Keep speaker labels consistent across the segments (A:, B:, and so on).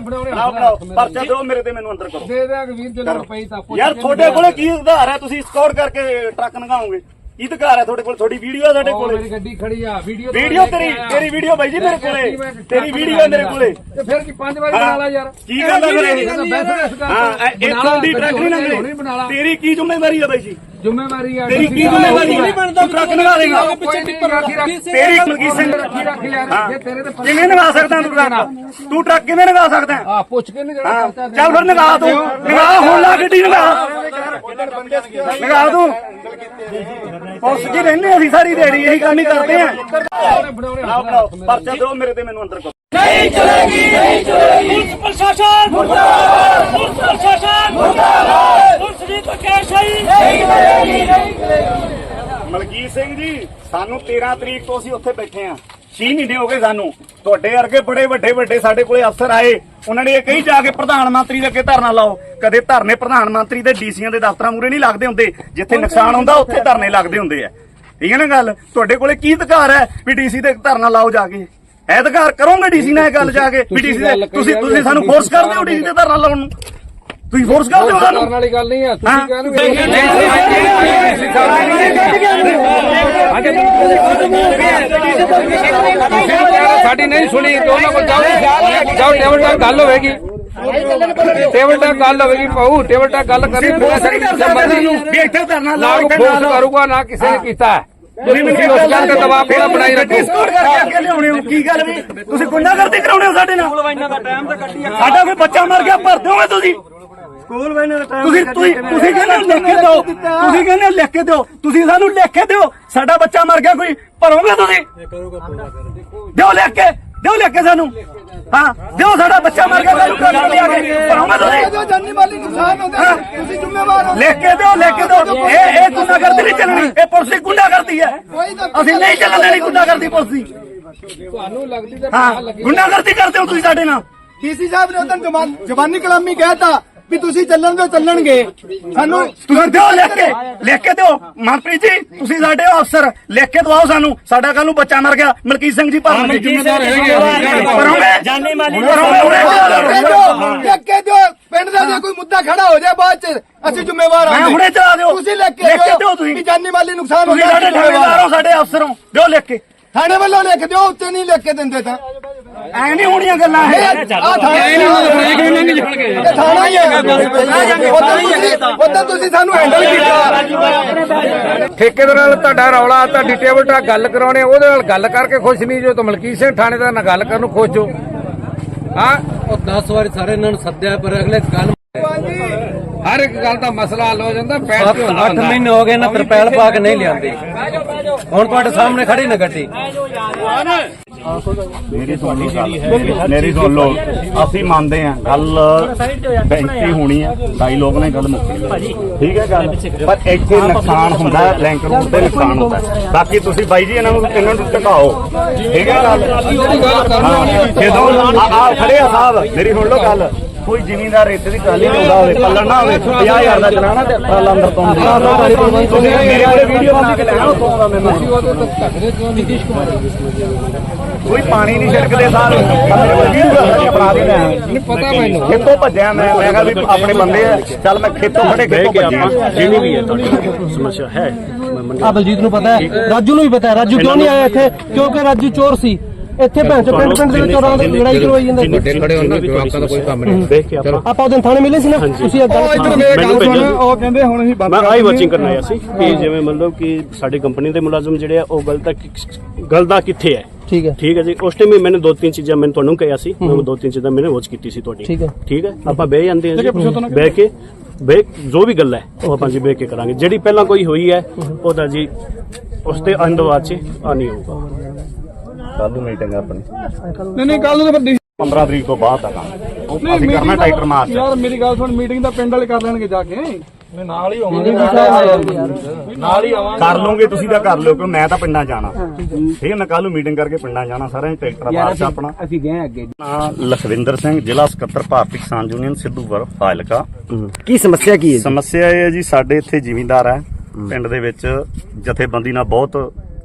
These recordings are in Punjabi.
A: ਪਰਚਾ ਦਿਓ ਮੇਰੇ ਤੇ, ਮੈਨੂੰ ਅੰਦਰ ਕਰੋ।
B: ਦੇ ਦੇਾਂਗੇ ਵੀਰ ਜੇ ਲੋੜ ਪਈ ਤਾਂ
A: ਯਾਰ ਤੁਹਾਡੇ ਕੋਲੇ ਕੀ ਆਧਾਰ ਹੈ? ਤੁਸੀਂ ਸਕੌਟ ਕਰਕੇ ਟਰੱਕ ਲੰਘਾਓਗੇ? ਕੀ ਅਧਿਕਾਰ ਹੈ ਤੁਹਾਡੇ ਕੋਲ? ਤੁਹਾਡੀ ਵੀਡੀਓ ਹੈ ਸਾਡੇ ਕੋਲੇ?
B: ਮੇਰੀ ਗੱਡੀ ਖੜੀ ਆ, ਵੀਡੀਓ
A: ਤੇਰੀ ਵੀਡੀਓ ਬਾਈ ਜੀ ਮੇਰੇ ਕੋਲੇ, ਤੇਰੀ ਵੀਡੀਓ ਹੈ ਮੇਰੇ ਕੋਲੇ।
B: ਤੇ ਫਿਰ ਕੀ 5 ਵਾਰੀ ਬਣਾ ਲਾ ਯਾਰ।
A: ਕੀ ਗੱਲ ਹੈ ਫਿਰ? ਹਾਂ ਇਹ ਤੁਹਾਡੀ ਟਰੱਕ ਨਹੀਂ ਲੰਘਦੇ, ਤੇਰੀ ਕੀ ਜ਼ਿੰਮੇਵਾਰੀ ਹੈ ਬਾਈ ਜੀ?
B: ਜ਼ਿੰਮੇਵਾਰੀ ਆ
A: ਤੇਰੀ ਕੀ ਜ਼ਿੰਮੇਵਾਰੀ ਹੈ? ਤੂੰ ਟਰੱਕ ਲੰਘਾ ਦੇਗਾ? ਤੇਰੀ ਮਲਕੀਤ ਸਿੰਘ ਕਿਵੇਂ ਲੰਘਾ ਸਕਦਾ ਤੂੰ ਟਰੱਕ? ਤੂੰ ਟਰੱਕ ਕਿਵੇਂ ਲੰਘਾ ਸਕਦਾ?
B: ਆ ਪੁੱਛ ਕੇ ਨਹੀਂ ਜਿਹੜਾ
A: ਚੱਲ ਫਿਰ ਲੰਘਾ ਤੂੰ, ਲੰਘਾ ਹੁਣ ਲਾ ਗੱਡੀ ਲੰਘਾ ਤੂੰ। ਪੁਲਿਸ ਜੀ ਰਹਿੰਦੇ ਅਸੀਂ ਸਾਰੀ ਦਿਹਾੜੀ ਇਹੀ ਕੰਮ ਹੀ ਕਰਦੇ ਆ। ਪਰਚਾ ਦਿਓ ਮੇਰੇ ਤੇ, ਮੈਨੂੰ ਅੰਦਰ ਕਰੋ।
C: नहीं चलेगी, नहीं चलेगी। पुलिस प्रशासन मुर्दाबाद, पुलिस प्रशासन मुर्दाबाद, पुलिस की तो क्या सही नहीं चलेगी, नहीं चलेगी।
A: ਮਲਕੀਤ ਸਿੰਘ ਜੀ, ਸਾਨੂੰ 13 ਤਰੀਕ ਤੋਂ ਅਸੀਂ ਉੱਥੇ ਬੈਠੇ ਆ, 6 ਮਹੀਨੇ ਹੋ ਗਏ ਸਾਨੂੰ। ਤੁਹਾਡੇ ਵਰਗੇ ਬੜੇ ਵੱਡੇ ਸਾਡੇ ਕੋਲੇ ਅਫਸਰ ਆਏ, ਉਹਨਾਂ ਨੇ ਇਹ ਕਹੀ ਜਾ ਕੇ ਪ੍ਰਧਾਨ ਮੰਤਰੀ ਦੇ ਅੱਗੇ ਧਰਨਾ ਲਾਓ। ਕਦੇ ਧਰਨੇ ਪ੍ਰਧਾਨ ਮੰਤਰੀ ਦੇ ਡੀਸੀਆਂ ਦੇ ਦਫ਼ਤਰਾਂ ਮੂਹਰੇ ਨਹੀਂ ਲੱਗਦੇ ਹੁੰਦੇ, ਜਿੱਥੇ ਨੁਕਸਾਨ ਹੁੰਦਾ ਉੱਥੇ ਧਰਨੇ ਲੱਗਦੇ ਹੁੰਦੇ ਆ। ਠੀਕ ਹੈ ਨਾ ਗੱਲ? ਤੁਹਾਡੇ ਕੋਲੇ ਕੀ ਅਧਿਕਾਰ ਹੈ ਵੀ ਡੀਸੀ ਤੇ ਧਰਨਾ ਲਾਓ ਜਾ ਕੇ? ਇਹ ਅਧਿਕਾਰ ਕਰੋਗੇ ਡੀਸੀ ਨਾਲ ਇਹ ਗੱਲ ਜਾ ਕੇ ਵੀ ਡੀਸੀ ਦੇ ਤੁਸੀਂ ਸਾਨੂੰ ਫੋਰਸ ਕਰਦੇ ਹੋ ਡੀਸੀ ਤੇ ਧਰਨਾ ਲਾਉਣ ਨੂੰ? ਤੁਸੀਂ ਫੋਰਸ ਕਰਦੇ ਹੋ ਸਾਨੂੰ?
B: ਕਰਨ ਵਾਲੀ ਗੱਲ ਨਹੀਂ ਆ, ਤੁਸੀਂ ਕਹਿੰਦੇ ਸਾਡੀ ਨਹੀਂ ਸੁਣੀ ਤੇ ਉਹਨਾਂ ਕੋਲ ਜਾਓ ਟੇਬਲ ਟਾਕ ਗੱਲ ਹੋਵੇਗੀ, ਟੇਬਲ ਟਾਕ ਗੱਲ ਹੋਵੇਗੀ ਪਾਉ, ਟੇਬਲ ਟਾਕ ਗੱਲ ਕਰੀ
A: ਵੀ ਇੱਥੇ ਧਰਨਾ ਲਾਓ,
B: ਫੋਰਸ ਕਰੂਗਾ ਨਾ ਕਿਸੇ ਨੇ ਕੀਤਾ। ਤੁਸੀਂ ਉਸ ਗੱਲ ਤੇ ਦਬਾਅ ਪੂਰਾ ਬਣਾਈ ਰੱਖੋ।
A: ਅੱਗੇ ਲਿਆਉਣੇ ਹੋ ਕੀ ਗੱਲ ਵੀ? ਤੁਸੀਂ ਗੁੰਡਾਗਰਦੀ ਕਰਾਉਣੇ ਹੋ ਸਾਡੇ ਨਾਲ? ਸਾਡਾ ਕੋਈ ਬੱਚਾ ਮਰ ਗਿਆ ਭਰ ਦਿਓਗੇ ਤੁਸੀਂ? ਸਕੂਲ ਵੈਨਾਂ ਦਾ ਟਾਈਮ ਤੁਸੀਂ ਕਹਿੰਦੇ ਲਿਖ ਕੇ ਦਿਓ, ਤੁਸੀਂ ਕਹਿੰਦੇ ਲਿਖ ਕੇ ਦਿਓ, ਤੁਸੀਂ ਸਾਨੂੰ ਲਿਖ ਕੇ ਦਿਓ ਸਾਡਾ ਬੱਚਾ ਮਰ ਗਿਆ ਕੋਈ, ਭਰੋਗੇ ਤੁਸੀਂ? ਦਿਓ ਲਿਖ ਕੇ, ਦਿਓ ਲਿਖ ਕੇ ਸਾਨੂੰ। ਹਾਂ ਦਿਓ, ਸਾਡਾ ਬੱਚਾ ਮਰ ਗਿਆ ਸਾਨੂੰ ਭਰੋਗੇ ਤੁਸੀਂ?
B: ਜਾਨੀ ਮਾਲੀ ਨੁਕਸਾਨ ਹੁੰਦਾ, ਤੁਸੀਂ ਜ਼ਿੰਮੇਵਾਰ ਹੋ।
A: ਲਿਖ ਕੇ ਦਿਓ, ਲਿਖ ਕੇ ਦਿਓ। ਇਹ ਗੁੰਡਾਗਰਦੀ ਨਹੀਂ ਚੱਲਣੀ, ਇਹ ਪੁਲਿਸ ਦੀ ਗੁੰਡਾਗਰਦੀ ਹੈ। ਅਸੀਂ ਨਹੀਂ ਚੱਲਣ ਦੇਣੀ ਗੁੰਡਾਗਰਦੀ ਪੁਲਿਸ ਦੀ।
B: ਤੁਹਾਨੂੰ ਲੱਗਦੀ ਤੇ
A: ਹਾਂ ਗੁੰਡਾਗਰਦੀ ਕਰਦੇ ਹੋ ਤੁਸੀਂ ਸਾਡੇ ਨਾਲ।
D: ਡੀਸੀ ਸਾਹਿਬ ਨੇ ਉਦੋਂ ਜ਼ਬਾਨੀ ਕਲਾਮੀ ਕਹਿਤਾ ਵੀ ਤੁਸੀਂ ਚੱਲਣ ਦਿਓ, ਚੱਲਣਗੇ। ਸਾਨੂੰ
A: ਤੁਸੀਂ ਦਿਓ ਲਿਖ ਕੇ ਦਿਓ। ਮਨਪ੍ਰੀਤ ਜੀ ਤੁਸੀਂ ਸਾਡੇ ਅਫਸਰ, ਲਿਖ ਕੇ ਦਵਾਓ ਸਾਨੂੰ। ਸਾਡਾ ਕੱਲ ਨੂੰ ਬੱਚਾ ਮਰ ਗਿਆ, ਮਲਕੀਤ ਸਿੰਘ ਜੀ ਭਰਨ
C: ਜਾਨੀ ਮਾਲੀ
D: ਲਿਖ ਕੇ ਦਿਓ। ਪਿੰਡ ਦਾ ਜੇ ਕੋਈ ਮੁੱਦਾ ਖੜਾ ਹੋ ਜਾਏ ਬਾਅਦ ਚ ਅਸੀਂ ਜ਼ਿੰਮੇਵਾਰ ਹਾਂ।
A: ਹੁਣੇ ਚਲਾ ਦਿਓ,
D: ਤੁਸੀਂ ਲਿਖ ਕੇ ਦਿਓ ਤੁਸੀਂ ਜਾਨੀ ਮਾਲੀ ਨੁਕਸਾਨ ਹੋ
A: ਤੁਸੀਂ ਸਾਡੇ ਠੇਕੇਦਾਰ ਹੋ, ਸਾਡੇ ਅਫਸਰ ਹੋ, ਦਿਓ ਲਿਖ ਕੇ।
D: ਥਾਣੇ ਵੱਲੋਂ ਲਿਖ ਦਿਓ, ਉੱਤੇ ਨਹੀਂ ਲਿਖ ਕੇ ਦਿੰਦੇ ਤਾਂ
A: ਐ ਨਹੀਂ ਹੋਣੀਆਂ ਗੱਲਾਂ।
D: ਉਦੋਂ ਤੁਸੀਂ ਸਾਨੂੰ ਹੈਂਡਲ ਕੀਤਾ।
B: ਠੇਕੇਦਾਰ ਨਾਲ ਤੁਹਾਡਾ ਰੌਲਾ, ਤੁਹਾਡੀ ਟੇਬਲ ਟਾਕ ਗੱਲ ਕਰਾਉਣੇ, ਉਹਦੇ ਨਾਲ ਗੱਲ ਕਰਕੇ ਖੁਸ਼ ਨਹੀਂ ਜੋ, ਤਾਂ ਮਲਕੀਤ ਸਿੰਘ ਥਾਣੇਦਾਰ ਨਾਲ ਗੱਲ ਕਰਨ ਨੂੰ ਖੁਸ਼ ਜੋ। ਹਾਂ
E: ਉਹ 10 ਵਾਰੀ ਸਾਰੇ ਇਹਨਾਂ ਨੂੰ ਸੱਦਿਆ, ਪਰ ਅਗਲੇ ਗੱਲ
B: ਹਰ ਇੱਕ ਗੱਲ ਦਾ ਮਸਲਾ ਹੱਲ ਹੋ ਜਾਂਦਾ।
E: 8 ਮਹੀਨੇ ਹੋ ਗਏ ਨਾ, ਤਰਪੈਲ ਪਾ ਕੇ ਨਹੀਂ ਲਿਆਂਦੇ। ਹੁਣ ਤੁਹਾਡੇ ਸਾਹਮਣੇ ਖੜੀ ਨਾ ਗੱਡੀ।
A: ਮੇਰੀ ਸੁਣ ਲਓ, ਅਸੀਂ ਮੰਨਦੇ ਆ ਗੱਲ ਬੈਂਕੀ ਹੋਣੀ ਆ, ਢਾਈ ਲੋਕ ਨੇ ਗੱਲ ਮੁੱਕੀ, ਠੀਕ ਹੈ ਗੱਲ, ਪਰ ਇੱਥੇ ਨੁਕਸਾਨ ਹੁੰਦਾ, ਲਿੰਕ ਰੋਡ ਤੇ ਨੁਕਸਾਨ ਹੁੰਦਾ। ਬਾਕੀ ਤੁਸੀਂ ਬਾਈ ਜੀ ਇਹਨਾਂ ਨੂੰ ਝਟਕਾਓ, ਠੀਕ ਹੈ ਗੱਲ। ਜਦੋਂ ਆ ਖੜੇ ਆ ਸਾਹਿਬ, ਮੇਰੀ ਸੁਣ ਲਓ ਗੱਲ, ਕੋਈ ਜ਼ਿਮੀਂਦਾਰ ਰੇਤੇ ਦੀ ਟਰਾਲੀ ਲਾਉਂਦਾ ਹੋਵੇ, ਪੱਲਣ ਨਾ ਹੋਵੇ, 50,000 ਦਾ ਚਲਾਣਾ ਤੇ ਟਰਾਲਾ ਅੰਦਰ ਤੋਂ ਤੁਸੀਂ ਮੇਰੇ ਕੋਲੇ ਵੀਡੀਓ ਬਣਾ ਕੇ ਲੈਣਾ ਉੱਥੋਂ ਦਾ। ਮੈਨੂੰ ਕੋਈ ਪਾਣੀ ਨਹੀਂ ਛਿੜਕਦੇ ਸਾਰ ਬਣਾ ਦੇ ਲੈ
B: ਪਤਾ ਮੈਨੂੰ
A: ਖੇਤੋਂ ਭੱਜਿਆ ਮੈਂ ਕਿਹਾ ਵੀ ਆਪਣੇ ਬੰਦੇ ਆ, ਚੱਲ ਮੈਂ ਖੇਤੋਂ ਖੜੇ ਖੇਤੋਂ ਭੱਜਿਆ।
F: ਜਿਹੜੀ ਵੀ ਹੈ ਤੁਹਾਡੀ ਸਮੱਸਿਆ ਹੈ,
E: ਆ ਬਲਜੀਤ ਨੂੰ ਪਤਾ ਹੈ, ਰਾਜੂ ਨੂੰ ਵੀ ਪਤਾ ਹੈ। ਰਾਜੂ ਕਿਉਂ ਨਹੀਂ ਆਇਆ ਇੱਥੇ? ਕਿਉਂਕਿ ਰਾਜੂ ਚੋਰ ਸੀ। ਇੱਥੇ ਪਿੰਡ ਦੇ ਵਿੱਚ ਚੋਰਾਂ ਦੀ ਲੜਾਈ ਕਰਵਾਈ ਜਾਂਦਾ।
B: ਖੜੇ ਹੋਣ ਨਾਲ ਜਵਾਕਾਂ ਦਾ ਕੋਈ ਕੰਮ ਨਹੀਂ।
F: ਦੇਖ ਕੇ
E: ਆਪਾਂ ਉਹਦੇ ਥਾਣੇ ਮਿਲੇ ਸੀ ਨਾ, ਤੁਸੀਂ ਇਹ ਗੱਲ
D: ਉਹ ਕਹਿੰਦੇ ਹੁਣ ਅਸੀਂ
F: ਮੈਂ ਆਈ ਵਾਚਿੰਗ ਕਰਨ ਆਇਆ ਸੀ ਕਿ ਜਿਵੇਂ ਮਤਲਬ ਕਿ ਸਾਡੀ ਕੰਪਨੀ ਦੇ ਮੁਲਾਜ਼ਮ ਜਿਹੜੇ ਆ ਉਹ ਗਲਦਾ ਕਿੱਥੇ ਹੈ।
E: ਠੀਕ ਹੈ,
F: ਠੀਕ ਹੈ ਜੀ। ਉਸ ਟਾਈਮ ਮੈਂ 2-3 ਚੀਜ਼ਾਂ ਮੈਂ ਤੁਹਾਨੂੰ ਕਿਹਾ ਸੀ, ਮੈਂ 2-3 ਚੀਜ਼ਾਂ ਮੈंने ਵਾਚ ਕੀਤੀ ਸੀ ਤੁਹਾਡੀ। ਠੀਕ ਹੈ ਆਪਾਂ ਬਹਿ ਜਾਂਦੇ ਹਾਂ ਜੀ, ਬਹਿ ਕੇ ਜੋ ਵੀ ਗੱਲ ਹੈ ਉਹ ਆਪਾਂ ਜੀ ਬਹਿ ਕੇ ਕਰਾਂਗੇ। ਜਿਹੜੀ ਪਹਿਲਾਂ ਕੋਈ ਹੋਈ ਹੈ ਉਹਦਾ ਜੀ ਉਸ ਤੇ ਅੰਦਵਾਦ ਚ ਆ ਨਹੀਂ ਹੋਊਗਾ।
A: ਕੱਲ ਨੂੰ ਮੀਟਿੰਗ ਆਪਣੀ
D: ਨਹੀਂ ਕੱਲ ਨੂੰ ਤਾਂ
A: 15 ਤਰੀਕ ਤੋਂ ਬਾਅਦ ਆ ਕੰਮ ਅਸੀਂ ਕਰਨਾ ਟਾਈਟਰ ਮਾਰਚ।
D: ਯਾਰ ਮੇਰੀ ਗੱਲ ਸੁਣ, ਮੀਟਿੰਗ ਤਾਂ ਪਿੰਡ ਵਾਲੇ ਕਰ ਲੈਣਗੇ ਜਾ ਕੇ। ਨਾਲ ਹੀ ਹੋਵਾਂਗੇ,
A: ਨਾਲ ਹੀ ਆਵਾਂਗੇ। ਕਰ ਲਓਗੇ ਤੁਸੀਂ ਤਾਂ ਕਰ ਲਿਓ, ਕਿਉਂ ਮੈਂ ਤਾਂ ਪਿੰਡਾਂ ਜਾਣਾ। ਠੀਕ ਹੈ, ਮੈਂ ਕੱਲ ਨੂੰ ਮੀਟਿੰਗ ਕਰਕੇ ਪਿੰਡਾਂ ਜਾਣਾ ਸਾਰਿਆਂ ਨੇ। ਟਰੈਕਟਰ ਮਾਰਚ ਆਪਣਾ
B: ਅਸੀਂ ਗਏ ਅੱਗੇ।
A: ਲਖਵਿੰਦਰ ਸਿੰਘ, ਜ਼ਿਲ੍ਹਾ ਸਕੱਤਰ ਭਾਰਤੀ ਕਿਸਾਨ ਯੂਨੀਅਨ ਸਿੱਧੂਪੁਰ ਫਾਜ਼ਿਲਕਾ।
E: ਕੀ ਸਮੱਸਿਆ ਕੀ ਹੈ?
A: ਸਮੱਸਿਆ ਇਹ ਹੈ ਜੀ, ਸਾਡੇ ਇੱਥੇ ਜ਼ਿਮੀਂਦਾਰ ਹੈ, ਪਿੰਡ ਦੇ ਵਿੱਚ ਜਥੇਬੰਦੀ ਨਾਲ ਬਹੁਤ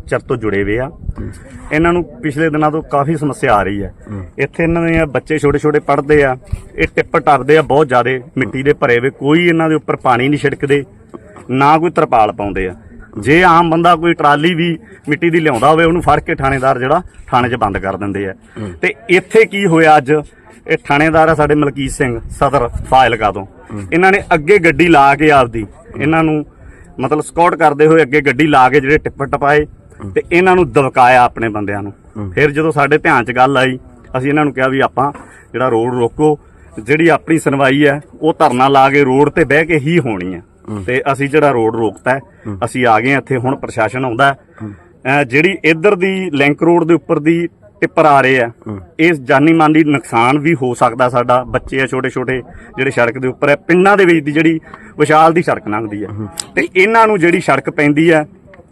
A: ਚਿਰ ਤੋਂ ਜੁੜੇ ਹੋਏ ਆ। ਇਹਨਾਂ ਨੂੰ ਪਿਛਲੇ ਦਿਨਾਂ ਤੋਂ ਕਾਫੀ ਸਮੱਸਿਆ ਆ ਰਹੀ ਹੈ। ਇੱਥੇ ਇਹਨਾਂ ਦੇ ਬੱਚੇ ਛੋਟੇ ਛੋਟੇ ਪੜ੍ਹਦੇ ਆ, ਇਹ ਟਿੱਪ ਟੱਪਦੇ ਆ ਬਹੁਤ ਜ਼ਿਆਦਾ ਮਿੱਟੀ ਦੇ ਭਰੇ ਹੋਏ, ਕੋਈ ਇਹਨਾਂ ਦੇ ਉੱਪਰ ਪਾਣੀ ਨਹੀਂ ਛਿੜਕਦੇ, ਨਾ ਕੋਈ ਤਰਪਾਲ ਪਾਉਂਦੇ ਆ। ਜੇ ਆਮ ਬੰਦਾ ਕੋਈ ਟਰਾਲੀ ਵੀ ਮਿੱਟੀ ਦੀ ਲਿਆਉਂਦਾ ਹੋਵੇ ਉਹਨੂੰ ਫੜ ਕੇ ਥਾਣੇਦਾਰ ਜਿਹੜਾ ਥਾਣੇ 'ਚ ਬੰਦ ਕਰ ਦਿੰਦੇ ਆ। ਤੇ ਇੱਥੇ ਕੀ ਹੋਇਆ ਅੱਜ, ਇਹ ਥਾਣੇਦਾਰ ਆ ਸਾਡੇ ਮਲਕੀਤ ਸਿੰਘ ਸਦਰ ਫਾਜ਼ਿਲਕਾ ਤੋਂ, ਇਹਨਾਂ ਨੇ ਅੱਗੇ ਗੱਡੀ ਲਾ ਕੇ ਆਪਦੀ ਇਹਨਾਂ ਨੂੰ ਮਤਲਬ ਸਕਾਟ ਕਰਦੇ ਹੋਏ ਅੱਗੇ ਗੱਡੀ ਲਾ ਕੇ ਜਿਹੜੇ ਟਿੱਪ ਟਪਾਏ ਤੇ ਇਹਨਾਂ ਨੂੰ ਦਬਕਾਇਆ ਆਪਣੇ ਬੰਦਿਆਂ ਨੂੰ। ਫਿਰ ਜਦੋਂ ਸਾਡੇ ਧਿਆਨ 'ਚ ਗੱਲ ਆਈ ਅਸੀਂ ਇਹਨਾਂ ਨੂੰ ਕਿਹਾ ਵੀ ਆਪਾਂ ਜਿਹੜਾ ਰੋਡ ਰੋਕੋ, ਜਿਹੜੀ ਆਪਣੀ ਸੁਣਵਾਈ ਹੈ ਉਹ ਧਰਨਾ ਲਾ ਕੇ ਰੋਡ ਤੇ ਬਹਿ ਕੇ ਹੀ ਹੋਣੀ ਹੈ। ਤੇ ਅਸੀਂ ਜਿਹੜਾ ਰੋਡ ਰੋਕਤਾ, ਅਸੀਂ ਆ ਗਏ ਇੱਥੇ। ਹੁਣ ਪ੍ਰਸ਼ਾਸਨ ਆਉਂਦਾ, ਜਿਹੜੀ ਇੱਧਰ ਦੀ ਲਿੰਕ ਰੋਡ ਦੇ ਉੱਪਰ ਦੀ ਟਿੱਪਰ ਆ ਰਹੇ ਆ, ਇਸ ਜਾਨੀ ਮਾਲੀ ਨੁਕਸਾਨ ਵੀ ਹੋ ਸਕਦਾ। ਸਾਡਾ ਬੱਚੇ ਆ ਛੋਟੇ ਛੋਟੇ ਜਿਹੜੇ ਸੜਕ ਦੇ ਉੱਪਰ ਹੈ, ਪਿੰਡਾਂ ਦੇ ਵਿੱਚ ਦੀ ਜਿਹੜੀ ਵਿਸ਼ਾਲ ਦੀ ਸੜਕ ਲੰਘਦੀ ਹੈ ਤੇ ਇਹਨਾਂ ਨੂੰ ਜਿਹੜੀ ਸੜਕ ਪੈਂਦੀ ਆ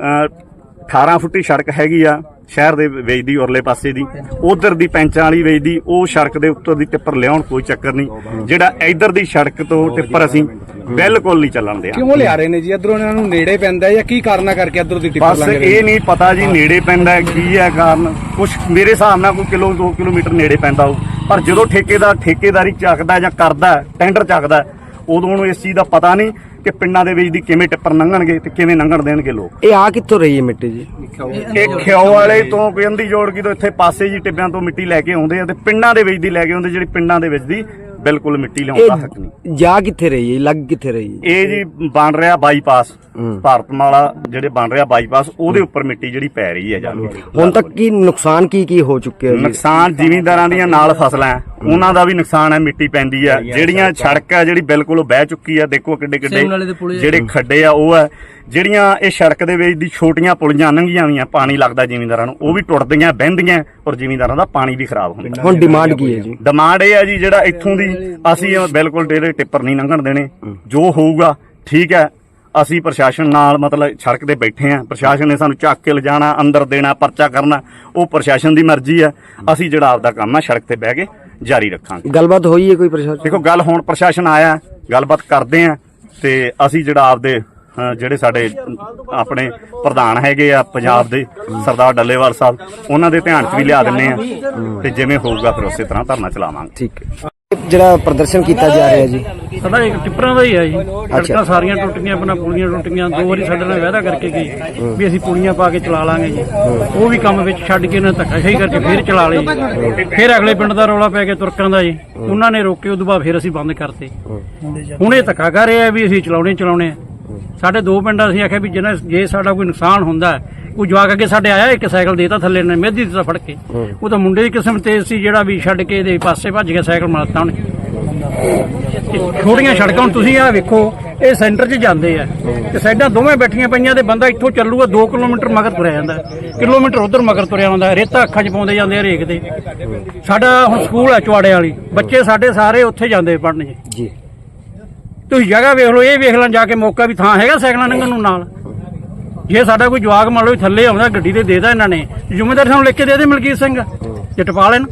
A: 18 ਫੁੱਟੀ ਸੜਕ ਹੈਗੀ ਆ ਸ਼ਹਿਰ ਦੇ ਵਿੱਚ ਦੀ ਉਰਲੇ ਪਾਸੇ ਦੀ, ਉਧਰ ਦੀ ਪੈਂਚਾਂ ਵਾਲੀ ਵਿੱਚ ਦੀ ਉਹ ਸੜਕ ਦੇ ਉੱਤੋਂ ਦੀ ਟਿੱਪਰ ਲਿਆਉਣ ਕੋਈ ਚੱਕਰ ਨਹੀਂ। ਜਿਹੜਾ ਇੱਧਰ ਦੀ ਸੜਕ ਤੋਂ ਟਿੱਪਰ ਅਸੀਂ ਬਿਲਕੁਲ ਨਹੀਂ ਚੱਲਣ ਦਿਆਂ।
B: ਕਿਉਂ ਲਿਆ ਰਹੇ ਨੇ ਜੀ ਇਧਰੋਂ, ਇਹਨਾਂ ਨੂੰ ਨੇੜੇ ਪੈਂਦਾ ਜਾਂ ਕੀ ਕਾਰਨਾ ਕਰਕੇ ਇਧਰੋਂ ਦੀ ਟਿੱਪਰ
A: ਬਸ
B: ਲੰਘ ਰਹੇ?
A: ਇਹ ਨਹੀਂ ਪਤਾ ਜੀ ਨੇੜੇ ਪੈਂਦਾ ਕੀ ਹੈ ਕਾਰਨ, ਕੁਛ ਮੇਰੇ ਹਿਸਾਬ ਨਾਲ ਕੋਈ 2 ਕਿਲੋਮੀਟਰ ਨੇੜੇ ਪੈਂਦਾ ਹੋ। ਪਰ ਜਦੋਂ ਠੇਕੇਦਾਰੀ ਚੱਕਦਾ ਜਾਂ ਕਰਦਾ ਟੈਂਡਰ ਚੱਕਦਾ, ਉਦੋਂ ਉਹਨੂੰ ਇਸ ਚੀਜ਼ ਦਾ ਪਤਾ ਨਹੀਂ ਕਿ ਪਿੰਡਾਂ ਦੇ ਵਿੱਚ ਦੀ ਕਿਵੇਂ ਟਿੱਪਰ ਲੰਘਣਗੇ ਤੇ ਕਿਵੇਂ ਲੰਘਣ ਦੇਣਗੇ ਲੋਕ।
G: ਇਹ ਆ ਕਿੱਥੋਂ ਰਹੀ ਹੈ ਮਿੱਟੀ ਜੀ?
A: ਇਹ ਖਿਓ ਵਾਲੇ ਤੋਂ ਕਹਿੰਦੀ ਜੋੜਕੀ ਤੋਂ ਇੱਥੇ ਪਾਸੇ ਜੀ ਟਿੱਬਿਆਂ ਤੋਂ ਮਿੱਟੀ ਲੈ ਕੇ ਆਉਂਦੇ ਆ ਤੇ ਪਿੰਡਾਂ ਦੇ ਵਿੱਚ ਦੀ ਲੈ ਕੇ ਆਉਂਦੇ, ਜਿਹੜੀ ਪਿੰਡਾਂ ਦੇ ਵਿੱਚ ਦੀ ਬਿਲਕੁਲ ਮਿੱਟੀ ਲਿਆਉਣ ਦਾ ਹੱਕ ਨਹੀਂ।
G: ਜਾ ਕਿੱਥੇ ਰਹੀ ਹੈ, ਲੱਗ ਕਿੱਥੇ ਰਹੀ ਹੈ?
A: ਇਹ ਜੀ ਬਣ ਰਿਹਾ ਬਾਈਪਾਸ, ਭਾਰਤਮਾਲਾ ਜਿਹੜੇ ਬਣ ਰਿਹਾ ਬਾਈਪਾਸ, ਉਹਦੇ ਉੱਪਰ ਮਿੱਟੀ ਜਿਹੜੀ ਪੈ ਰਹੀ ਹੈ ਜਾ ਕੇ।
G: ਹੁਣ ਤੱਕ ਕੀ ਨੁਕਸਾਨ ਕੀ ਹੋ ਚੁੱਕਿਆ ਜੀ?
A: ਨੁਕਸਾਨ ਜ਼ਿਮੀਂਦਾਰਾਂ ਦੀਆਂ ਨਾਲ ਫਸਲਾਂ ਉਹਨਾਂ ਦਾ ਵੀ ਨੁਕਸਾਨ ਹੈ, ਮਿੱਟੀ ਪੈਂਦੀ ਆ। ਜਿਹੜੀਆਂ ਸੜਕ ਆ ਜਿਹੜੀ ਬਿਲਕੁਲ ਉਹ ਬਹਿ ਚੁੱਕੀ ਆ, ਦੇਖੋ ਕਿੱਡੇ ਜਿਹੜੇ ਖੱਡੇ ਆ ਉਹ ਆ। ਜਿਹੜੀਆਂ ਇਹ ਸੜਕ ਦੇ ਵਿੱਚ ਦੀ ਛੋਟੀਆਂ ਪੁਲੀਆਂ ਲੰਘੀਆਂ ਹੋਈਆਂ, ਪਾਣੀ ਲੱਗਦਾ ਜ਼ਿਮੀਂਦਾਰਾਂ ਨੂੰ, ਉਹ ਵੀ ਟੁੱਟਦੀਆਂ ਬਹਿੰਦੀਆਂ ਔਰ ਜ਼ਿਮੀਂਦਾਰਾਂ ਦਾ ਪਾਣੀ ਵੀ ਖਰਾਬ ਹੁੰਦਾ।
G: ਹੁਣ ਡਿਮਾਂਡ ਕੀ ਹੈ ਜੀ?
A: ਡਿਮਾਂਡ ਇਹ ਹੈ ਜੀ ਜਿਹੜਾ ਇੱਥੋਂ ਦੀ ਅਸੀਂ ਬਿਲਕੁਲ ਡੇਰੇ ਟਿੱਪਰ ਨਹੀਂ ਲੰਘਣ ਦੇਣੇ, ਜੋ ਹੋਊਗਾ ਠੀਕ ਹੈ। ਅਸੀਂ ਪ੍ਰਸ਼ਾਸਨ ਨਾਲ ਮਤਲਬ ਸੜਕ ਤੇ ਬੈਠੇ ਆ, ਪ੍ਰਸ਼ਾਸਨ ਨੇ ਸਾਨੂੰ ਚੱਕ ਕੇ ਲਿਜਾਣਾ, ਅੰਦਰ ਦੇਣਾ, ਪਰਚਾ ਕਰਨਾ, ਉਹ ਪ੍ਰਸ਼ਾਸਨ ਦੀ ਮਰਜ਼ੀ ਹੈ। ਅਸੀਂ ਜਿਹੜਾ ਆਪਦਾ ਕੰਮ ਆ ਸੜਕ ਤੇ ਬਹਿ ਕੇ ਜਾਰੀ ਰੱਖਾਂਗੇ।
G: ਗੱਲਬਾਤ ਹੋਈ ਹੈ ਕੋਈ ਪ੍ਰਸ਼ਾਸਨ?
A: ਦੇਖੋ ਗੱਲ ਹੁਣ ਪ੍ਰਸ਼ਾਸਨ ਆਇਆ, ਗੱਲਬਾਤ ਕਰਦੇ ਆ ਤੇ ਅਸੀਂ ਜਿਹੜਾ ਆਪਦੇ ਜਿਹੜੇ ਸਾਡੇ ਆਪਣੇ ਪ੍ਰਧਾਨ ਹੈਗੇ ਆ ਪੰਜਾਬ ਦੇ ਸਰਦਾਰ ਡੱਲੇਵਾਲ ਸਾਹਿਬ, ਉਹਨਾਂ ਦੇ ਧਿਆਨ 'ਚ ਵੀ ਲਿਆ ਦਿੰਨੇ ਆ ਤੇ ਜਿਵੇਂ ਹੋਊਗਾ ਫਿਰ ਉਸੇ ਤਰ੍ਹਾਂ ਧਰਨਾ ਚਲਾਵਾਂਗੇ।
G: ਠੀਕ ਹੈ। ਜਿਹੜਾ ਪ੍ਰਦਰਸ਼ਨ ਕੀਤਾ ਜਾ ਰਿਹਾ ਜੀ,
H: ਸਾਡਾ ਇੱਕ ਟਿੱਪਰਾਂ ਦਾ ਹੀ ਹੈ ਜੀ। ਸੜਕਾਂ ਸਾਰੀਆਂ ਟੁੱਟ ਗਈਆਂ, ਆਪਣਾ ਪੁਲੀਆਂ ਟੁੱਟ ਗਈਆਂ। 2 ਵਾਰੀ ਸਾਡੇ ਨਾਲ ਵਾਅਦਾ ਕਰਕੇ ਗਈ ਵੀ ਅਸੀਂ ਪੁਲੀਆਂ ਪਾ ਕੇ ਚਲਾ ਲਾਂਗੇ ਜੀ, ਉਹ ਵੀ ਕੰਮ ਵਿੱਚ ਛੱਡ ਕੇ ਇਹਨਾਂ ਧੱਕਾਸ਼ਾਹੀ ਕਰਕੇ ਫੇਰ ਚਲਾ ਲਈ। ਫਿਰ ਅਗਲੇ ਪਿੰਡ ਦਾ ਰੌਲਾ ਪੈ ਗਿਆ ਤੁਰਕਾਂ ਦਾ ਜੀ, ਉਹਨਾਂ ਨੇ ਰੋਕੇ, ਉਦੋਂ ਬਾਅਦ ਫਿਰ ਅਸੀਂ ਬੰਦ ਕਰਤੇ। ਹੁਣ ਇਹ ਧੱਕਾ ਕਰ ਰਹੇ ਆ ਵੀ ਅਸੀਂ ਚਲਾਉਣੇ ਆ। ਸਾਡੇ 2 ਪਿੰਡਾਂ ਅਸੀਂ ਆਖਿਆ ਵੀ ਜੇ ਸਾਡਾ ਕੋਈ ਨੁਕਸਾਨ ਹੁੰਦਾ, ਕੋਈ ਜਵਾਕ ਅੱਗੇ ਸਾਡੇ ਆਇਆ, ਇੱਕ ਸਾਈਕਲ ਦੇਤਾ ਥੱਲੇ ਨੇ ਮੇਦੀ ਦਿੱਤਾ ਫੜ ਕੇ, ਉਹ ਤਾਂ ਮੁੰਡੇ ਦੀ ਕਿਸਮ ਤੇਜ਼ ਸੀ ਜਿਹੜਾ ਵੀ ਛੱਡ ਕੇ ਇਹਦੇ ਪਾਸੇ ਭੱਜ ਗਿਆ, ਸਾਈਕਲ ਮਾਰਤਾ ਉਹਨੇ। ਛੋਟੀਆਂ ਸੜਕਾਂ ਹੁਣ ਤੁਸੀਂ ਆਹ ਵੇਖੋ, ਇਹ ਸੈਂਟਰ 'ਚ ਜਾਂਦੇ ਆ ਤੇ ਸਾਈਡਾਂ ਦੋਵੇਂ ਬੈਠੀਆਂ ਪਈਆਂ ਤੇ ਬੰਦਾ ਇੱਥੋਂ ਚੱਲੂਗਾ 2 ਕਿਲੋਮੀਟਰ ਮਗਰ ਤੁਰਿਆ ਜਾਂਦਾ, ਕਿਲੋਮੀਟਰ ਉਧਰ ਮਗਰ ਤੁਰਿਆ ਹੁੰਦਾ, ਰੇਤਾ ਅੱਖਾਂ 'ਚ ਪਾਉਂਦੇ ਜਾਂਦੇ ਆ ਹਰੇਕ ਦੇ। ਸਾਡਾ ਹੁਣ ਸਕੂਲ ਹੈ ਚਵਾੜੇ ਵਾਲੀ, ਬੱਚੇ ਸਾਡੇ ਸਾਰੇ ਉੱਥੇ ਜਾਂਦੇ ਪੜ੍ਹਨ ਜੀ। ਤੁਸੀਂ ਜਗ੍ਹਾ ਵੇਖ ਲਓ, ਇਹ ਵੇਖ ਲੈਣ ਜਾ ਕੇ ਮੌਕਾ ਵੀ ਥਾਂ ਹੈਗਾ ਸਾਈਕਲਾਂ ਲੰਘਣ ਨੂੰ ਨਾਲ। ਜੇ ਸਾਡਾ ਕੋਈ ਜਵਾਕ ਮੰਨ ਲਓ ਥੱਲੇ ਆਉਂਦਾ, ਗੱਡੀ ਤੇ ਦੇਦਾ ਇਹਨਾਂ ਨੇ, ਜ਼ਿੰਮੇਦਾਰ ਸਾਨੂੰ ਲਿਖ ਕੇ ਦੇ ਦੇ ਮਲਕੀਤ ਸਿੰਘ ਜੇ ਟਪਾ ਲੈਣ।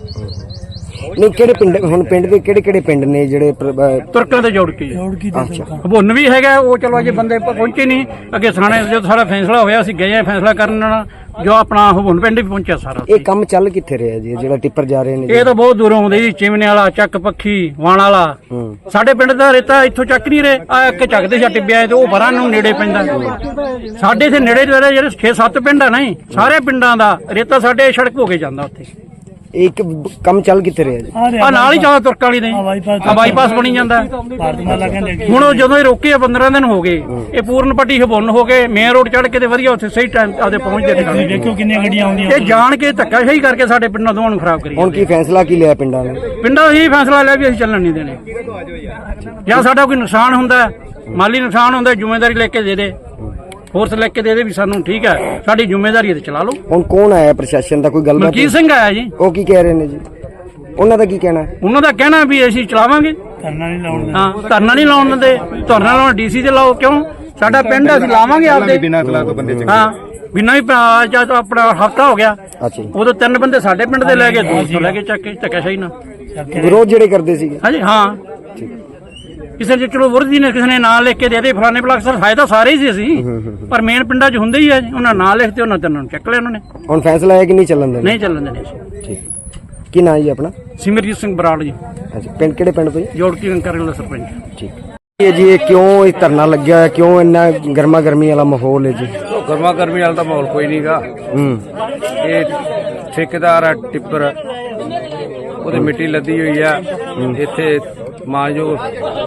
G: ਨਹੀਂ ਕਿਹੜੇ ਪਿੰਡ, ਹੁਣ ਪਿੰਡ ਦੇ ਕਿਹੜੇ ਪਿੰਡ ਨੇ ਜਿਹੜੇ
H: ਤੁਰਕਾਂ ਦੇ ਜੋੜ ਕੇ? ਭੁੰਨ ਵੀ ਹੈਗਾ, ਉਹ ਚਲੋ ਅਜੇ ਬੰਦੇ ਪਹੁੰਚੇ ਨਹੀਂ। ਅੱਗੇ ਥਾਣੇ ਜਦੋਂ ਸਾਡਾ ਫੈਸਲਾ ਹੋਇਆ ਅਸੀਂ ਗਏ ਆ ਫੈਸਲਾ ਕਰਨ, ਜੋ ਆਪਣਾ ਭੁੰਨ ਪਿੰਡ ਵੀ ਪਹੁੰਚਿਆ ਸਾਰਾ।
G: ਇਹ ਕੰਮ ਚੱਲ ਕਿੱਥੇ ਰਿਹਾ ਜੀ, ਜਿਹੜਾ ਟਿੱਪਰ ਜਾ ਰਹੇ ਨੇ?
H: ਇਹ ਤਾਂ ਬਹੁਤ ਦੂਰੋਂ ਆਉਂਦੇ ਜੀ, ਚਿਮਨੇ ਵਾਲਾ, ਚੱਕ ਪੱਖੀ, ਵਾਣ ਵਾਲਾ। ਸਾਡੇ ਪਿੰਡ ਦਾ ਰੇਤਾ ਇੱਥੋਂ ਚੱਕ ਨਹੀਂ ਰਹੇ, ਆ ਇੱਕ ਚੱਕਦੇ ਸੀ ਟਿੱਬਿਆਂ ਤੇ, ਉਹ ਬਰਾਂ ਨੂੰ ਨੇੜੇ ਪੈਂਦਾ। ਸਾਡੇ ਇੱਥੇ ਨੇੜੇ ਜਿਹੜੇ 6-7 ਪਿੰਡ ਆ ਨਹੀਂ, ਸਾਰੇ ਪਿੰਡਾਂ ਦਾ ਰੇਤਾ ਸਾਡੇ ਸੜਕ ਹੋ ਕੇ ਜਾਂਦਾ ਉੱਥੇ।
G: ਇੱਕ ਕੰਮ ਚੱਲ ਕਿੱਥੇ ਰਿਹਾ ਜੀ?
H: ਆ ਨਾਲ ਹੀ ਚੱਲਦਾ ਤੁਰਕਾਂ ਵਾਲੀ ਦੇ, ਬਾਈਪਾਸ ਬਣੀ ਜਾਂਦਾ। ਹੁਣ ਜਦੋਂ ਇਹ ਰੋਕੇ 15 ਦਿਨ ਹੋ ਗਏ, ਇਹ ਪੂਰਨ ਪੱਟੀ ਹਬੁੰਨ ਹੋ ਕੇ ਮੇਨ ਰੋਡ ਚੜ੍ਹ ਕੇ ਤੇ ਵਧੀਆ ਉੱਥੇ ਸਹੀ ਟਾਈਮ ਆਦੇ ਪਹੁੰਚਦੇ ਨੇ।
C: ਦੇਖੋ ਕਿੰਨੀਆਂ ਗੱਡੀਆਂ ਆਉਂਦੀਆਂ,
H: ਇਹ ਜਾਣ ਕੇ ਧੱਕਾਸ਼ਾਹੀ ਕਰਕੇ ਸਾਡੇ ਪਿੰਡਾਂ ਦੋਵਾਂ ਨੂੰ ਖਰਾਬ ਕਰੀ।
G: ਹੁਣ ਕੀ ਫੈਸਲਾ ਕੀ ਲਿਆ ਪਿੰਡਾਂ ਨੇ?
H: ਪਿੰਡਾਂ ਇਹੀ ਫੈਸਲਾ ਲਿਆ ਵੀ ਅਸੀਂ ਚੱਲਣ ਨਹੀਂ ਦੇਣੇ। ਜਾਂ ਸਾਡਾ ਕੋਈ ਨੁਕਸਾਨ ਹੁੰਦਾ, ਮਾਲੀ ਨੁਕਸਾਨ ਹੁੰਦਾ, ਜ਼ਿੰਮੇਵਾਰੀ ਲੈ ਕੇ ਦੇ ਦੇ, ਫੋਰਸ ਲੈ ਕੇ ਦੇ ਦੇ ਵੀ ਸਾਨੂੰ ਠੀਕ ਹੈ, ਸਾਡੀ ਜ਼ਿੰਮੇਵਾਰੀ ਹੈ ਤੇ ਚਲਾ ਲਓ।
G: ਹੁਣ ਕੌਣ ਆਇਆ ਪ੍ਰਸ਼ਾਸਨ ਦਾ, ਕੋਈ ਗੱਲਬਾਤ?
H: ਮਲਕੀਤ ਸਿੰਘ ਆਇਆ ਜੀ।
G: ਉਹ ਕੀ ਕਹਿ ਰਹੇ ਨੇ ਜੀ? ਉਹਨਾਂ ਦਾ ਕੀ ਕਹਿਣਾ?
H: ਉਹਨਾਂ ਦਾ ਕਹਿਣਾ ਵੀ ਅਸੀਂ ਚਲਾਵਾਂਗੇ,
C: ਧਰਨਾ ਨਹੀਂ ਲਾਉਣ ਦਿੰਦੇ।
H: ਹਾਂ ਧਰਨਾ ਨਹੀਂ ਲਾਉਣ ਦਿੰਦੇ, ਧਰਨਾ ਲਾਉਣ ਡੀਸੀ ਤੇ ਲਾਓ। ਕਿਉਂ? ਸਾਡਾ ਪਿੰਡ ਅਸੀਂ ਲਾਵਾਂਗੇ ਆਪਦੇ ਬਿਨਾਂ ਕਲਾ ਤੋਂ ਬੰਦੇ। ਹਾਂ ਬਿਨਾਂ ਹੀ ਜਦ ਆਪਣਾ ਹਫਤਾ ਹੋ ਗਿਆ, ਉਦੋਂ 3 ਬੰਦੇ ਸਾਡੇ ਪਿੰਡ ਦੇ ਲੈ ਗਏ, 200 ਲੈ ਕੇ ਚੱਕ ਕੇ ਧੱਕਾਸ਼ਾਹੀ ਨਾਲ
G: ਵਿਰੋਧ ਜਿਹੜੇ ਕਰਦੇ ਸੀਗੇ।
H: ਹਾਂਜੀ ਹਾਂ। ਕਿਸੇ ਨੇ ਚਲੋ ਵਰਦੀ ਨੇ ਕਿਸੇ ਨੇ ਨਾਂ ਲਿਖ ਕੇ ਦੇ ਦੇ ਫਲਾਣੇ ਬਲਾਕ ਸਰ ਫਾਇਦਾ ਸਾਰੇ ਹੀ ਸੀ ਅਸੀਂ ਪਰ ਮੇਨ ਪਿੰਡਾਂ 'ਚ ਹੁੰਦੇ ਹੀ ਆ ਜੀ ਉਹਨਾਂ ਨਾਂ ਲਿਖਤੇ ਉਹਨਾਂ ਤੇ ਉਹਨਾਂ ਨੂੰ ਚੱਕ ਲਿਆ ਉਹਨਾਂ ਨੇ
G: ਹੁਣ ਫੈਸਲਾ ਹੈ ਕਿ ਨਹੀਂ ਚੱਲਣ ਦੇਣਾ?
H: ਨਹੀਂ ਚੱਲਣ ਦੇਣੇ ਅਸੀਂ।
G: ਕੀ ਨਾਂ ਜੀ ਆਪਣਾ?
H: ਸਿਮਰਜੀਤ ਸਿੰਘ ਬਰਾੜ ਜੀ,
G: ਅੱਛਾ, ਪਿੰਡ ਕਿਹੜੇ ਪਿੰਡ ਤੋਂ ਜੀ?
H: ਜੋੜਕੀ ਕੰਕਰ ਦਾ ਸਰਪੰਚ।
G: ਠੀਕ ਇਹ ਜੀ, ਇਹ ਕਿਉਂ ਇਹ ਧਰਨਾ ਲੱਗਿਆ ਹੈ? ਕਿਉਂ ਇੰਨਾ ਗਰਮਾ ਗਰਮੀ ਵਾਲਾ ਮਾਹੌਲ ਹੈ ਜੀ?
B: ਗਰਮਾ ਗਰਮੀ ਵਾਲਾ ਤਾਂ ਮਾਹੌਲ ਕੋਈ ਨਹੀਂਗਾ। ਇਹ ਠੇਕੇਦਾਰ ਆ ਟਿੱਪਰ, ਉਹਦੀ ਮਿੱਟੀ ਲੱਦੀ ਹੋਈ ਆ ਇੱਥੇ ਮਾਨਯੋਗ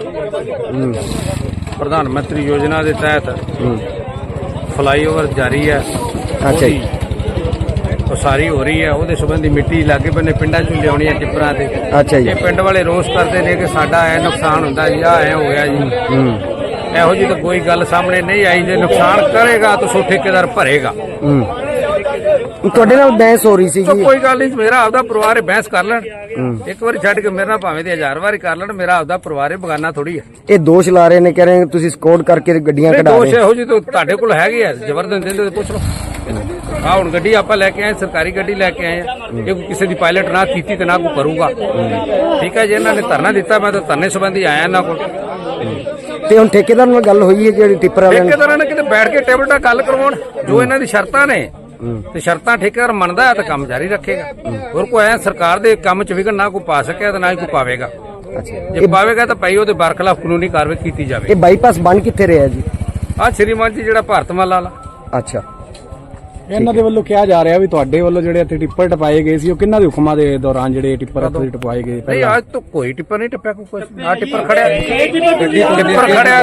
B: ਪ੍ਰਧਾਨ ਮੰਤਰੀ ਯੋਜਨਾ ਦੇ ਤਹਿਤ ਫਲਾਈਓਵਰ ਜਾਰੀ ਹੈ।
G: ਅੱਛਾ ਜੀ,
B: ਉਸਾਰੀ ਹੋ ਰਹੀ ਹੈ, ਉਹਦੇ ਸੰਬੰਧੀ ਮਿੱਟੀ ਲਾਗੇ ਬੰਨੇ ਪਿੰਡਾਂ 'ਚ ਲਿਆਉਣੀ ਹੈ ਟਿੱਪਰਾਂ ਤੇ।
G: ਅੱਛਾ ਜੀ,
B: ਇਹ ਪਿੰਡ ਵਾਲੇ ਰੋਸ ਕਰਦੇ ਨੇ ਕਿ ਸਾਡਾ ਐ ਨੁਕਸਾਨ ਹੁੰਦਾ ਜੀ, ਆ ਐ ਹੋ ਗਿਆ ਜੀ। ਇਹੋ ਜਿਹੀ ਤਾਂ ਕੋਈ ਗੱਲ ਸਾਹਮਣੇ ਨਹੀਂ ਆਈ। ਜੇ ਨੁਕਸਾਨ ਕਰੇਗਾ ਤਾਂ ਸੋ ਠੇਕੇਦਾਰ ਭਰੇਗਾ।
G: ਤੁਹਾਡੇ ਨਾਲ ਬਹਿਸ ਹੋ ਰਹੀ ਸੀ
B: ਤਾਂ
G: ਜੀ?
B: ਕੋਈ ਗੱਲ ਨਹੀਂ, ਮੇਰਾ ਆਪਦਾ ਪਰਿਵਾਰ ਹੈ, ਬਹਿਸ ਕਰ ਲੈਣ ਇੱਕ ਵਾਰੀ ਛੱਡ ਕੇ, ਮੇਰੇ ਨਾਲ ਭਾਵੇਂ ਤੇ 1000 ਵਾਰੀ ਕਰ ਲੈਣ, ਮੇਰਾ ਆਪਦਾ ਪਰਿਵਾਰ ਹੈ, ਬਗਾਨਾ ਥੋੜੀ ਹੈ।
G: ਇਹ ਦੋਸ਼ ਲਾ ਰਹੇ ਨੇ, ਕਹਿ ਰਹੇ ਤੁਸੀਂ ਸਕੋਰ ਕਰਕੇ ਗੱਡੀਆਂ ਕਢਾ
B: ਦੋਸ਼
G: ਰਹੇ।
B: ਇਹੋ ਜਿਹੀ ਤਾਂ ਤੁਹਾਡੇ ਕੋਲ ਹੈਗੇ ਆ, ਜ਼ਬਰਦਸਤ ਦਿੰਦੇ ਤੇ ਪੁੱਛ ਲਓ। ਆ ਹੁਣ ਗੱਡੀ ਆਪਾਂ ਲੈ ਕੇ ਆਏ, ਸਰਕਾਰੀ ਗੱਡੀ ਲੈ ਕੇ ਆਏ ਆ। ਇਹ ਕੋਈ ਕਿਸੇ ਦੀ ਪਾਇਲਟ ਨਾ ਕੀਤੀ ਤੇ ਨਾ ਕੋਈ ਕਰੂਗਾ। ਠੀਕ ਹੈ ਜੀ, ਇਹਨਾਂ ਨੇ ਧਰਨਾ ਦਿੱਤਾ, ਮੈਂ ਤਾਂ ਧਰਨੇ ਸੰਬੰਧੀ ਆਇਆ ਇਹਨਾਂ ਕੋਲ।
G: ਤੇ ਹੁਣ ਠੇਕੇਦਾਰ ਨਾਲ ਗੱਲ ਹੋਈ ਹੈ ਜਿਹੜੀ ਟਿੱਪਰ ਵਾਲਿਆਂ ਨੇ?
B: ਠੇਕੇਦਾਰਾਂ ਨੇ ਕਿਤੇ ਬੈਠ ਕੇ ਟੇਬਲ ਤੇ ਗੱਲ ਕਰਵਾਉਣ, ਜੋ ਇਹਨਾਂ ਦੀ ਸ਼ਰਤਾਂ ਨੇ ਤੇ ਸ਼ਰਤਾਂ ਠੇਕੇਦਾਰ ਮੰਨਦਾ ਹੈ ਤਾਂ ਕੰਮ ਜਾਰੀ ਰੱਖੇਗਾ। ਹੋਰ ਕੋਈ ਐ ਸਰਕਾਰ ਦੇ ਕੰਮ 'ਚ ਵਿਘਨ ਨਾ ਕੋਈ ਪਾ ਸਕਿਆ ਤੇ ਨਾ ਹੀ ਕੋਈ ਪਾਵੇਗਾ। ਜੇ ਪਾਵੇਗਾ ਤਾਂ ਭਾਈ ਉਹਦੇ ਬਰਖਲਾਫ ਕਾਨੂੰਨੀ ਕਾਰਵਾਈ ਕੀਤੀ ਜਾਵੇ।
G: ਇਹ ਬਾਈਪਾਸ ਬਣ ਕਿੱਥੇ ਰਿਹਾ ਜੀ?
B: ਆ ਸ਼੍ਰੀਮਾਨ ਜੀ ਜਿਹੜਾ ਭਾਰਤਮਾਲਾ ਵਾਲਾ।
G: ਅੱਛਾ,
I: ਇਹਨਾਂ ਦੇ ਵੱਲੋਂ ਕਿਹਾ ਜਾ ਰਿਹਾ ਵੀ ਤੁਹਾਡੇ ਵੱਲੋਂ ਜਿਹੜੇ ਇੱਥੇ ਟਿੱਪਰ ਟਪਾਏ ਗਏ ਸੀ ਉਹ ਕਿਹਨਾਂ ਦੇ ਹੁਕਮਾਂ ਦੇ ਦੌਰਾਨ ਜਿਹੜੇ ਟਿੱਪਰ ਇੱਥੇ ਟਪਾਏ ਗਏ?
B: ਨਹੀਂ, ਅੱਜ ਤਾਂ ਕੋਈ ਟਿੱਪਰ ਨਹੀਂ ਟੱਪਿਆ। ਕੋਈ ਆ ਟਿੱਪਰ ਖੜਿਆ, ਟਿੱਪਰ ਖੜਿਆ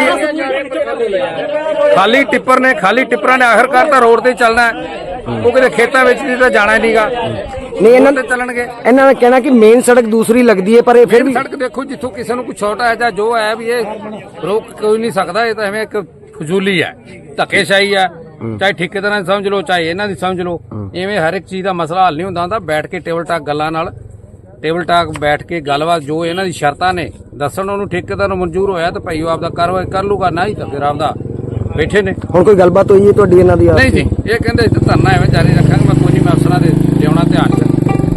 B: ਖਾਲੀ ਟਿੱਪਰ ਨੇ, ਖਾਲੀ ਟਿੱਪਰਾਂ ਨੇ ਆਖਰਕਾਰ ਤਾਂ ਰੋਡ ਤੇ ਚੱਲਣਾ ਹੈ। ਉਹ ਕਿਤੇ ਖੇਤਾਂ ਵਿੱਚ ਦੀ ਤਾਂ ਜਾਣਾ ਨਹੀਂਗਾ।
G: ਨਹੀਂ, ਇਹਨਾਂ
B: ਤੇ ਚੱਲਣਗੇ।
G: ਇਹਨਾਂ ਦਾ ਕਹਿਣਾ ਕਿ ਮੇਨ ਸੜਕ ਦੂਸਰੀ ਲੱਗਦੀ ਹੈ, ਪਰ ਇਹ ਫਿਰ ਵੀ
B: ਸੜਕ ਦੇਖੋ, ਜਿੱਥੋਂ ਕਿਸੇ ਨੂੰ ਕੋਈ ਛੋਟਾ ਹੈ ਜਾਂ ਜੋ ਹੈ ਵੀ ਇਹ ਰੋਕ ਕੋਈ ਨਹੀਂ ਸਕਦਾ। ਇਹ ਤਾਂ ਐਵੇਂ ਇੱਕ ਫਜ਼ੂਲੀ ਹੈ, ਧੱਕੇਸ਼ਾਹੀ ਹੈ। ਚਾਹੇ ਠੇਕੇਦਾਰਾਂ ਦੀ ਸਮਝ ਲਓ, ਚਾਹੇ ਇਹਨਾਂ ਦੀ ਸਮਝ ਲਓ। ਇਵੇਂ ਹਰ ਇੱਕ ਚੀਜ਼ ਦਾ ਮਸਲਾ ਹੱਲ ਨਹੀਂ ਹੁੰਦਾ ਹੁੰਦਾ। ਬੈਠ ਕੇ ਟੇਬਲ ਟਾਕ ਗੱਲਾਂ ਨਾਲ, ਟੇਬਲ ਟਾਕ ਬੈਠ ਕੇ ਗੱਲਬਾਤ, ਜੋ ਇਹਨਾਂ ਦੀ ਸ਼ਰਤਾਂ ਨੇ ਦੱਸਣ, ਉਹਨੂੰ ਠੇਕੇਦਾਰ ਨੂੰ ਮਨਜ਼ੂਰ ਹੋਇਆ ਤਾਂ ਭਾਈ ਉਹ ਆਪਦਾ ਕਾਰਵਾਈ ਕਰ ਲੂਗਾ, ਨਾ ਹੀ ਤਾਂ ਫਿਰ ਆਪਦਾ ਬੈਠੇ ਨੇ।
G: ਹੁਣ ਕੋਈ ਗੱਲਬਾਤ ਹੋਈ ਹੈ ਤੁਹਾਡੀ ਇਹਨਾਂ ਦੀ?
B: ਨਹੀਂ ਜੀ, ਇਹ ਕਹਿੰਦੇ ਧਰਨਾ ਐਵੇਂ ਜਾਰੀ ਰੱਖਾਂਗੇ। ਮੈਂ ਕੋਈ ਨਹੀਂ, ਮੈਂ ਅਫਸਰਾਂ ਦੇ ਲਿਆਉਣਾ ਧਿਆਨ 'ਚ।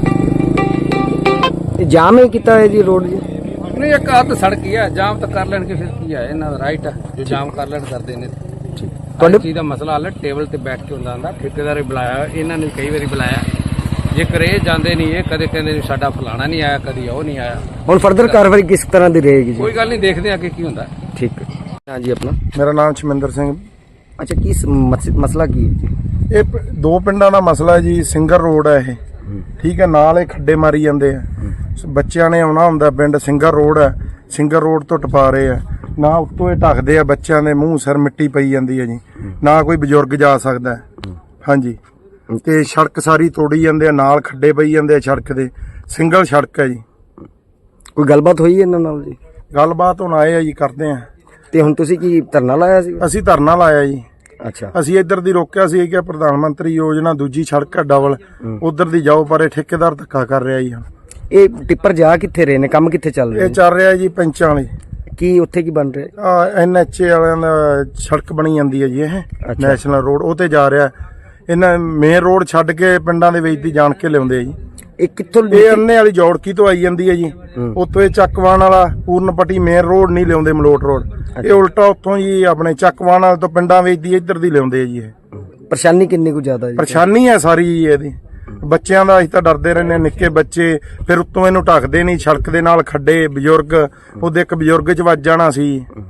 G: ਇਹ ਜਾਮ ਹੀ ਕੀਤਾ ਹੈ ਜੀ ਰੋਡ ਜੀ?
B: ਨਹੀਂ, ਇੱਕ ਆਹ ਤਾਂ ਸੜਕ ਹੀ ਹੈ, ਜਾਮ ਤਾਂ ਕਰ ਲੈਣਗੇ, ਫਿਰ ਕੀ ਹੈ, ਇਹਨਾਂ ਦਾ ਰਾਈਟ ਹੈ, ਜੋ ਜਾਮ ਕਰ ਲੈਣ ਕਰਦੇ ਨੇ। ਤੁਹਾਡੇ ਚੀਜ਼ ਦਾ ਮਸਲਾ ਹੱਲ ਟੇਬਲ ਤੇ ਬੈਠ ਕੇ ਹੁੰਦਾ। ਠੇਕੇਦਾਰ ਬੁਲਾਇਆ, ਇਹਨਾਂ ਨੇ ਕਈ ਵਾਰੀ ਬੁਲਾਇਆ, ਜੇਕਰ ਇਹ ਜਾਂਦੇ ਨਹੀਂ, ਇਹ ਕਦੇ ਕਹਿੰਦੇ ਨਹੀਂ ਸਾਡਾ ਫਲਾਣਾ ਨਹੀਂ ਆਇਆ, ਕਦੀ ਉਹ ਨਹੀਂ ਆਇਆ।
G: ਹੁਣ ਫਰਦਰ ਕਾਰਵਾਈ ਕਿਸ ਤਰ੍ਹਾਂ ਦੀ ਰਹੇਗੀ ਜੀ?
B: ਕੋਈ ਗੱਲ ਨਹੀਂ, ਦੇਖਦੇ ਆ ਕਿ ਕੀ ਹੁੰਦਾ।
G: ਠੀਕ ਹੈ। ਹਾਂਜੀ, ਆਪਣਾ?
J: ਮੇਰਾ ਨਾਮ ਸ਼ਮਿੰਦਰ ਸਿੰਘ।
G: ਅੱਛਾ, ਕੀ ਮਸਲਾ ਕੀ ਹੈ ਜੀ?
J: ਇਹ ਦੋ ਪਿੰਡਾਂ ਦਾ ਮਸਲਾ ਹੈ ਜੀ। ਸਿੰਗਰ ਰੋਡ ਹੈ ਇਹ, ਠੀਕ ਹੈ, ਨਾਲ ਇਹ ਖੱਡੇ ਮਾਰੀ ਜਾਂਦੇ ਆ। ਬੱਚਿਆਂ ਨੇ ਆਉਣਾ ਹੁੰਦਾ ਪਿੰਡ, ਸਿੰਗਰ ਰੋਡ ਹੈ, ਸਿੰਗਰ ਰੋਡ ਤੋਂ ਟਪਾ ਰਹੇ ਆ। ਨਾ ਉੱਤੋਂ ਇਹ ਢੱਕਦੇ ਆ, ਬੱਚਿਆਂ ਦੇ ਮੂੰਹ ਸਿਰ ਮਿੱਟੀ ਪਈ ਜਾਂਦੀ ਹੈ ਜੀ, ਨਾ ਕੋਈ ਬਜ਼ੁਰਗ ਜਾ ਸਕਦਾ। ਹਾਂਜੀ, ਤੇ ਸੜਕ ਸਾਰੀ ਤੋੜੀ ਜਾਂਦੇ ਆ, ਨਾਲ ਖੱਡੇ ਪਈ ਜਾਂਦੇ ਆ ਸੜਕ ਦੇ। ਸਿੰਗਲ ਸੜਕ ਹੈ ਜੀ।
G: ਕੋਈ ਗੱਲਬਾਤ ਹੋਈ ਇਹਨਾਂ ਨਾਲ ਜੀ?
J: ਗੱਲਬਾਤ ਹੁਣ ਆਏ ਆ ਜੀ, ਕਰਦੇ ਆ।
G: ਤੇ ਹੁਣ ਤੁਸੀਂ ਕੀ ਧਰਨਾ ਲਾਇਆ ਸੀ?
J: ਅਸੀਂ ਧਰਨਾ ਲਾਇਆ ਜੀ।
G: ਅੱਛਾ,
J: ਅਸੀਂ ਇੱਧਰ ਦੀ ਰੋਕਿਆ ਸੀ ਕਿ ਪ੍ਰਧਾਨ ਮੰਤਰੀ ਯੋਜਨਾ ਦੂਜੀ ਸੜਕ ਹੈ ਡਬਲ, ਉਧਰ ਦੀ ਜਾਓ, ਪਰ ਇਹ ਠੇਕੇਦਾਰ ਧੱਕਾ ਕਰ ਰਿਹਾ ਜੀ।
G: ਇਹ ਟਿੱਪਰ ਜਾ ਕਿੱਥੇ ਰਹੇ ਨੇ? ਕੰਮ ਕਿੱਥੇ ਚੱਲ ਰਿਹਾ?
J: ਇਹ ਚੱਲ ਰਿਹਾ ਜੀ ਪੈਂਚਾਂ ਵਾਲੀ।
G: ਕੀ ਉੱਥੇ ਕੀ ਬਣ ਰਿਹਾ?
J: NHA ਵਾਲਿਆਂ ਦਾ ਸੜਕ ਬਣੀ ਜਾਂਦੀ ਹੈ ਜੀ, ਇਹ ਨੈਸ਼ਨਲ ਰੋਡ, ਉਹ ਤੇ ਜਾ ਰਿਹਾ। ਇਹਨਾਂ ਮੇਨ ਰੋਡ ਛੱਡ ਕੇ ਪਿੰਡਾਂ ਦੇ ਵਿੱਚ ਦੀ ਜਾਣ ਕੇ ਲਿਆਉਂਦੇ ਆ ਜੀ।
G: ਇਹ ਕਿੱਥੋਂ?
J: ਇਹ ਅੰਨੇ ਵਾਲੀ ਜੌੜਕੀ ਤੋਂ ਆਈ ਜਾਂਦੀ ਹੈ ਜੀ, ਉੱਥੋਂ ਇਹ ਚੱਕਵਾਨ ਵਾਲਾ ਪੂਰਨਪੱਟੀ ਮੇਨ ਰੋਡ ਨਹੀਂ ਲਿਆਉਂਦੇ, ਮਲੋਟ ਰੋਡ। ਇਹ ਉਲਟਾ ਉੱਥੋਂ ਜੀ ਆਪਣੇ ਚੱਕਵਾਨ ਵਾਲੇ ਤੋਂ ਪਿੰਡਾਂ ਵਿੱਚ ਦੀ ਇੱਧਰ ਦੀ ਲਿਆਉਂਦੇ ਆ ਜੀ। ਇਹ
G: ਪਰੇਸ਼ਾਨੀ ਕਿੰਨੀ ਕੁ ਜ਼ਿਆਦਾ ਜੀ?
J: ਪਰੇਸ਼ਾਨੀ ਹੈ ਸਾਰੀ ਜੀ ਇਹਦੀ। ਬੱਚਿਆਂ ਦਾ ਅਸੀਂ ਤਾਂ ਡਰਦੇ ਰਹਿੰਦੇ, ਨਿੱਕੇ ਬੱਚੇ, ਫਿਰ ਉੱਤੋਂ ਇਹਨੂੰ ਢੱਕਦੇ ਨਹੀਂ, ਸੜਕ ਦੇ ਨਾਲ ਖੱਡੇ, ਬਜ਼ੁਰਗ, ਉਹਦੇ ਇੱਕ ਬਜ਼ੁਰਗ 'ਚ ਵੱਜ ਜਾਣਾ ਸੀ।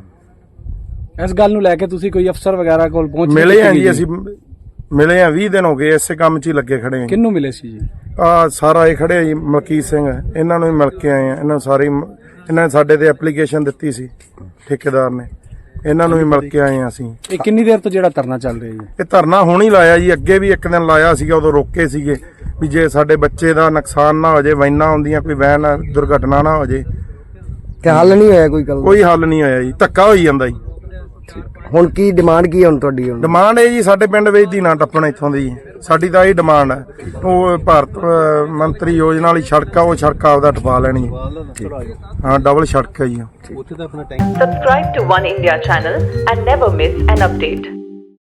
I: ਇਸ ਗੱਲ ਨੂੰ ਲੈ ਕੇ ਤੁਸੀਂ ਕੋਈ ਅਫਸਰ ਵਗੈਰਾ ਕੋਲ ਪਹੁੰਚ
J: ਮਿਲੇ ਆ ਜੀ? ਅਸੀਂ ਮਿਲੇ ਆ, 20 ਦਿਨ ਹੋ ਗਏ, ਇਸੇ ਕੰਮ 'ਚ ਹੀ ਲੱਗੇ ਖੜੇ ਆ।
I: ਕਿਹਨੂੰ ਮਿਲੇ ਸੀ ਜੀ?
J: ਸਾਰਾ ਇਹ ਖੜੇ ਆ ਜੀ, ਮਲਕੀਤ ਸਿੰਘ, ਇਹਨਾਂ ਨੂੰ ਹੀ ਮਿਲ ਕੇ ਆਏ ਆ। ਇਹਨਾਂ ਨੇ ਸਾਡੇ ਤੇ ਐਪਲੀਕੇਸ਼ਨ ਦਿੱਤੀ ਸੀ ਠੇਕੇਦਾਰ ਨੇ, ਇਹਨਾਂ ਨੂੰ ਵੀ ਮਿਲ ਕੇ ਆਏ ਆ ਅਸੀਂ।
I: ਇਹ ਕਿੰਨੀ ਦੇਰ ਤੋਂ ਜਿਹੜਾ ਧਰਨਾ ਚੱਲ ਰਿਹਾ ਜੀ?
J: ਇਹ ਧਰਨਾ ਹੁਣ ਹੀ ਲਾਇਆ ਜੀ, ਅੱਗੇ ਵੀ ਇੱਕ ਦਿਨ ਲਾਇਆ ਸੀਗਾ, ਉਦੋਂ ਰੋਕੇ ਸੀਗੇ ਵੀ ਜੇ ਸਾਡੇ ਬੱਚੇ ਦਾ ਨੁਕਸਾਨ ਨਾ ਹੋ ਜੇ, ਵੈਨਾਂ ਆਉਂਦੀਆਂ, ਕੋਈ ਵੈਨ ਦੁਰਘਟਨਾ ਨਾ ਹੋ ਜੇ।
G: ਤੇ ਹੱਲ ਨਹੀਂ ਹੋਇਆ ਕੋਈ ਗੱਲ?
J: ਕੋਈ ਹੱਲ ਨਹੀਂ ਹੋਇਆ ਜੀ, ਧੱਕਾ ਹੋਈ ਜਾਂਦਾ ਜੀ।
G: ਹੁਣ ਕੀ ਡਿਮਾਂਡ ਕੀ ਹੈ ਹੁਣ ਤੁਹਾਡੀ?
J: ਡਿਮਾਂਡ ਇਹ ਜੀ, ਸਾਡੇ ਪਿੰਡ ਵਿੱਚ ਦੀ ਨਾ ਟੱਪਣ ਇੱਥੋਂ ਦੀ, ਸਾਡੀ ਤਾਂ ਇਹ ਡਿਮਾਂਡ ਹੈ। ਉਹ ਭਾਰਤ ਮੰਤਰੀ ਯੋਜਨਾ ਵਾਲੀ ਸੜਕ ਆ, ਉਹ ਸੜਕ ਆਪਦਾ ਟਪਾ ਲੈਣੀ। ਹਾਂ, ਡਬਲ ਸੜਕ ਹੈ ਜੀ।
K: Subscribe to One India channel and never miss an update.